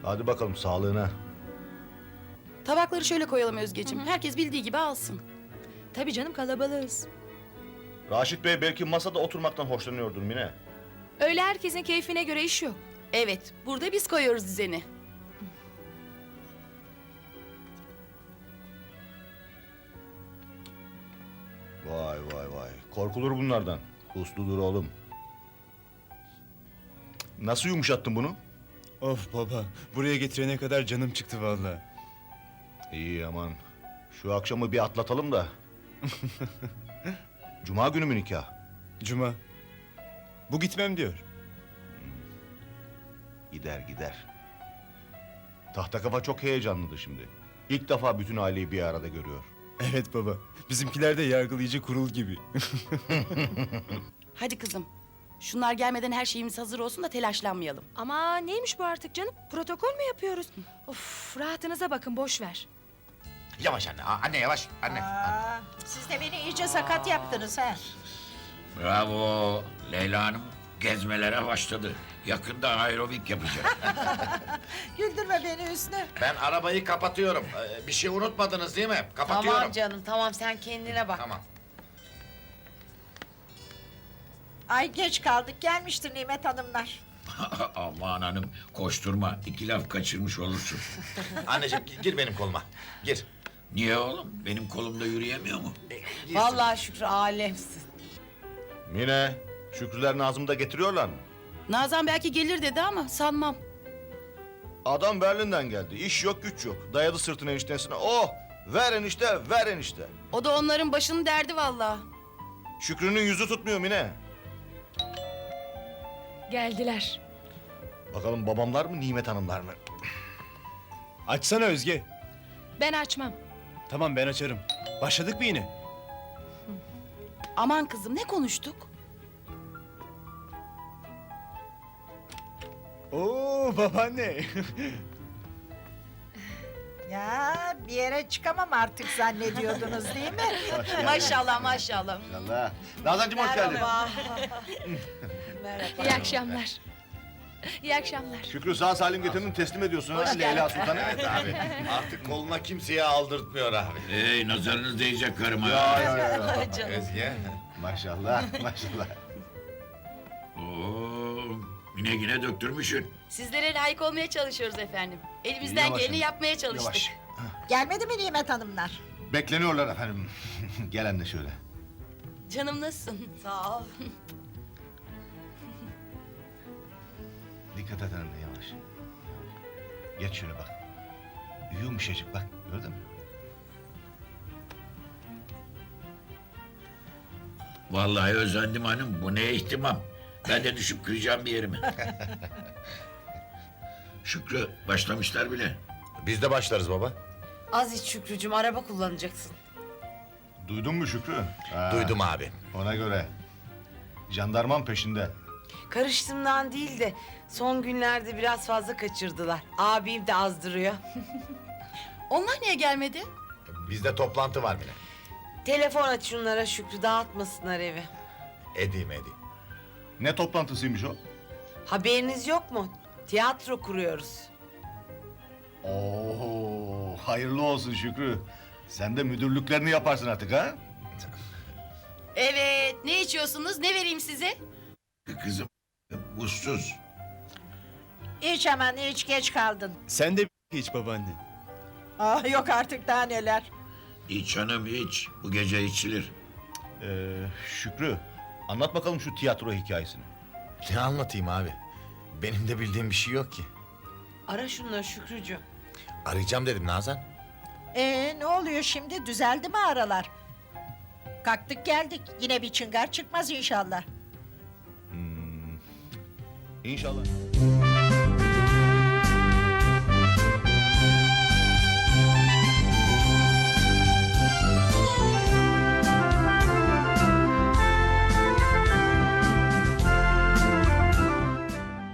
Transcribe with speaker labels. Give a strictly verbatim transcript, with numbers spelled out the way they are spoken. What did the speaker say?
Speaker 1: Hadi bakalım sağlığına.
Speaker 2: Tabakları şöyle koyalım Özgeciğim. Herkes bildiği gibi alsın.
Speaker 3: Tabii canım, kalabalığız.
Speaker 1: Raşit Bey belki masada oturmaktan hoşlanıyordur Mine.
Speaker 3: Öyle herkesin keyfine göre iş yok.
Speaker 2: Evet, burada biz koyuyoruz düzeni.
Speaker 1: Vay vay vay. Korkulur bunlardan. Usludur oğlum. Nasıl yumuşattın bunu?
Speaker 4: Of baba, buraya getirene kadar canım çıktı vallahi.
Speaker 1: İyi aman. Şu akşamı bir atlatalım da. Cuma günü mü nikah?
Speaker 4: Cuma. Bu gitmem diyor.
Speaker 1: Gider gider. Tahta kafa çok heyecanlıdır şimdi. İlk defa bütün aileyi bir arada görüyor.
Speaker 4: Evet baba, bizimkiler de yargılayıcı kurul gibi.
Speaker 2: Hadi kızım. Şunlar gelmeden her şeyimiz hazır olsun da telaşlanmayalım.
Speaker 3: Ama neymiş bu artık canım? Protokol mü yapıyoruz? Of, rahatınıza bakın, boş ver.
Speaker 5: Yavaş anne, aa, anne yavaş, anne.
Speaker 6: Aa, siz de beni iyice sakat yaptınız ha.
Speaker 7: Bravo. Leyla Hanım gezmelere başladı. Yakında aerobik yapacak.
Speaker 6: Güldürme beni Hüsnü.
Speaker 5: Ben arabayı kapatıyorum. Ee, bir şey unutmadınız değil mi? Kapatıyorum.
Speaker 8: Tamam canım, tamam, sen kendine bak.
Speaker 5: Tamam.
Speaker 6: Ay geç kaldık, gelmiştir Nimet Hanımlar.
Speaker 7: Aman hanım koşturma. İki laf kaçırmış olursun.
Speaker 5: Anneciğim gi- gir benim koluma. Gir.
Speaker 7: Niye oğlum? Benim kolumda yürüyemiyor mu?
Speaker 5: Girsin.
Speaker 8: Vallahi Şükrü alemsin.
Speaker 1: Mine, Şükrüler Nazım'ı da getiriyorlar mı?
Speaker 2: Nazan belki gelir dedi ama sanmam.
Speaker 1: Adam Berlin'den geldi. İş yok güç yok. Dayadı sırtını eniştesine. Oh! Ver enişte, ver enişte.
Speaker 2: O da onların başının derdi vallahi.
Speaker 1: Şükrü'nün yüzü tutmuyor Mine.
Speaker 3: Geldiler.
Speaker 1: Bakalım babamlar mı, Nimet Hanımlar mı?
Speaker 4: Açsana Özge.
Speaker 3: Ben açmam.
Speaker 4: Tamam ben açarım. Başladık mı yine?
Speaker 2: Aman kızım, ne konuştuk?
Speaker 4: Oo babaanne.
Speaker 6: Ya bir yere çıkamam artık zannediyordunuz değil mi?
Speaker 8: Maşallah maşallah.
Speaker 1: Allah. Nazancığım hoş geldin.
Speaker 8: Merhaba. Merhaba.
Speaker 3: İyi akşamlar. İyi akşamlar.
Speaker 1: Şükrü sağ salim getirdin teslim ediyorsun ha Leyla Sultan'a.
Speaker 5: Evet abi. Artık koluna kimseye aldırtmıyor abi.
Speaker 7: Hey nazarınız değecek karıma.
Speaker 1: Ya ya ya.
Speaker 8: Canım.
Speaker 5: Özge.
Speaker 1: Maşallah, maşallah.
Speaker 7: Oo, yine yine döktürmüşsün.
Speaker 2: Sizlere layık olmaya çalışıyoruz efendim. Elimizden
Speaker 1: Yavaş
Speaker 2: geleni
Speaker 1: hanım,
Speaker 2: yapmaya çalıştık.
Speaker 1: Yavaş.
Speaker 6: Gelmedi mi Nimet Hanımlar?
Speaker 1: Bekleniyorlar efendim. Gelen de şöyle.
Speaker 2: Canım nasılsın?
Speaker 8: Sağ ol.
Speaker 1: Dikkat et anne yavaş. Geç şöyle bak. Yumuşacık bak gördün mü?
Speaker 7: Vallahi özendim hanım. Bu ne ihtimam. Ben de düşüp kıracağım bir yerimi. Şükrü başlamışlar bile.
Speaker 5: Biz de başlarız baba.
Speaker 8: Az iç Şükrücüğüm, araba kullanacaksın.
Speaker 1: Duydun mu Şükrü? Ha,
Speaker 5: Duydum abi.
Speaker 1: Ona göre. Jandarman peşinde.
Speaker 8: Karıştığımdan değil de son günlerde biraz fazla kaçırdılar. Abim de azdırıyor.
Speaker 2: Onlar niye gelmedi?
Speaker 5: Bizde toplantı var Mine.
Speaker 8: Telefon aç şunlara Şükrü, dağıtmasınlar evi.
Speaker 5: Edeyim edeyim.
Speaker 1: Ne toplantısıymış o?
Speaker 8: Haberiniz yok mu? Tiyatro kuruyoruz.
Speaker 1: Oo, hayırlı olsun Şükrü. Sen de müdürlüklerini yaparsın artık ha?
Speaker 2: Evet, ne içiyorsunuz? Ne vereyim size?
Speaker 7: Kızım buzsuz.
Speaker 6: İç hemen iç, geç kaldın.
Speaker 4: Sen de hiç babaanne.
Speaker 6: Aa, yok artık daha neler.
Speaker 7: İç hanım iç. Bu gece içilir.
Speaker 1: Ee, Şükrü, anlat bakalım şu tiyatro hikayesini.
Speaker 5: Ne anlatayım abi? Benim de bildiğim bir şey yok ki.
Speaker 8: Ara şunları Şükrücüğüm.
Speaker 5: Arayacağım dedim Nazan.
Speaker 6: Ee, ne oluyor şimdi, düzeldi mi aralar? Kalktık geldik, yine bir çıngar çıkmaz inşallah.
Speaker 1: İnşallah.